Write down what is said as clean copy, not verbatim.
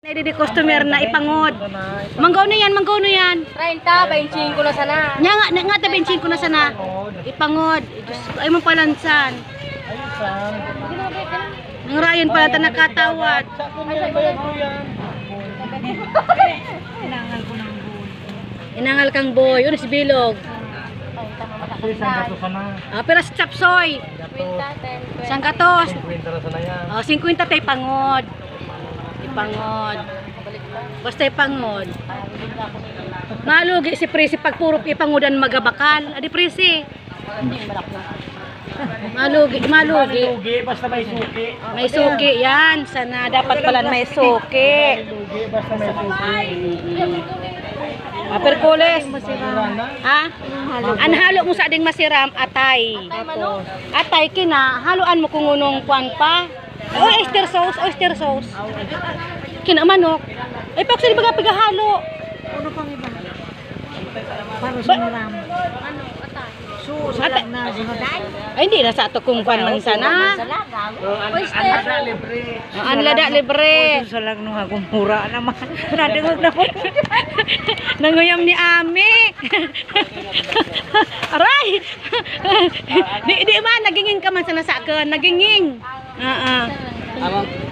Ay, di customer na ipangod. Manggaw na yan, manggaw na yan. 30, 25 ko na sana. Nya nga ta 25 ko na sana. Ipangod. Diyos ko, ay mong palansan. Ayusan. Nang rayon pala ta nakatawad. Inangal kang boy, uno si Bilog. Pero sa chapsoy. 50, 10, 20. Sang katos. 50 na sana yan. 50 tay pangod. Ipangod. Basta ipangod. Malugi si Presi pag puro ipangodan magabakal. Adi Presi. Malugi. Lugi, basta may suki. May suki yan. Sana dapat pala may suki. Lugi, basta may suki. Perkules. Ha? Anhalo mo sa ading masiram atay. Atay kina, haluan mo kung unong kwan pa. Oyster sauce. Kina manok. Ay pag sila baga pigahalo. Ano pang iba? Paano sumuram? Susalag na sunaday. Ay hindi na sa ato kung kwan man sana. Oyster. Ang lada libre. Susalag nung akong mura naman. Nadungog na po. Nanguyam ni Ami. Aray. Di man nagingin ka man sana sa akin. Nagingin.